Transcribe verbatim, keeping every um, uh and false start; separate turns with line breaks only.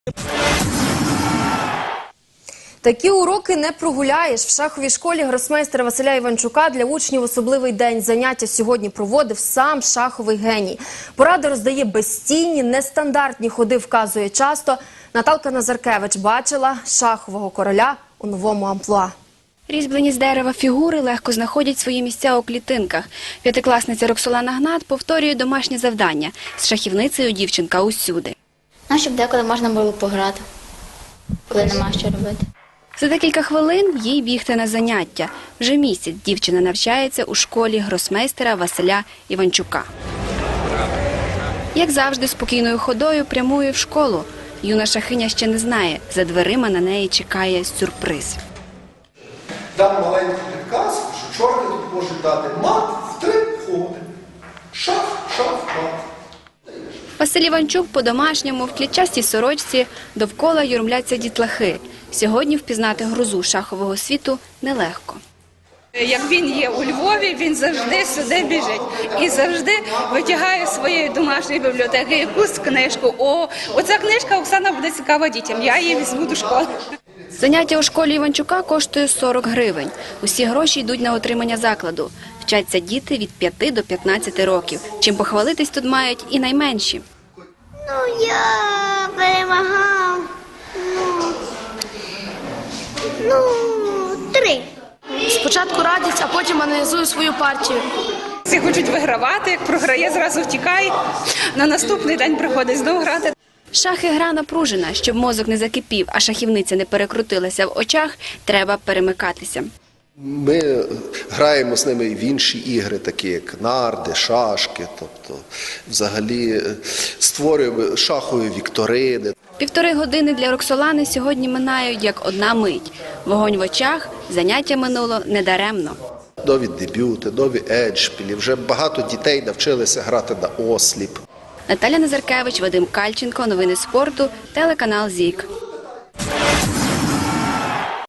Такі уроки не прогуляєш. В шаховій школі гросмейстера Василя Іванчука для учнів особливий день. Заняття сьогодні проводив сам шаховий геній. Поради роздає безстійні, нестандартні ходи вказує часто. Наталка Назаркевич бачила шахового короля у новому амплуа.
Різьблені з дерева фігури легко знаходять свої місця у клітинках. П'ятикласниця Роксолана Гнат повторює домашнє завдання. З шахівницею дівчинка усюди.
Ну, щоб деколи можна було пограти, коли нема що робити.
За декілька хвилин їй бігти на заняття. Вже місяць дівчина навчається у школі гросмейстера Василя Іванчука. Як завжди, спокійною ходою прямує в школу. Юна шахиня ще не знає, за дверима на неї чекає сюрприз.
Дам маленький підказ, що чорні тут можуть дати мат в три ходи. Шах, шах, мат.
Василь Іванчук по-домашньому в клітчастій сорочці, довкола юрмляться дітлахи. Сьогодні впізнати грозу шахового світу нелегко.
Як він є у Львові, він завжди сюди біжить і завжди витягає з своєї домашньої бібліотеки якусь книжку. О, оця книжка, Оксана, буде цікава дітям, я її візьму до школи.
Заняття у школі Іванчука коштує сорок гривень. Усі гроші йдуть на утримання закладу. Вчаться діти від п'яти до п'ятнадцяти років. Чим похвалитись тут мають і найменші.
Ну, я перемагав, ну, ну, три.
Спочатку радять, а потім аналізую свою партію.
Всі хочуть вигравати, як програє, зразу втікає, на наступний день приходить знову грати.
Шахи – гра напружена. Щоб мозок не закипів, а шахівниця не перекрутилася в очах, треба перемикатися.
Ми граємо з ними в інші ігри, такі як нарди, шашки, тобто взагалі створюємо шахові вікторини.
Півтори години для Роксолани сьогодні минають як одна мить. Вогонь в очах, заняття минуло недаремно.
Нові дебюти, нові еджпілі. Вже багато дітей навчилися грати на осліп.
Наталя Назаркевич, Вадим Кальченко. Новини спорту. Телеканал ЗІК.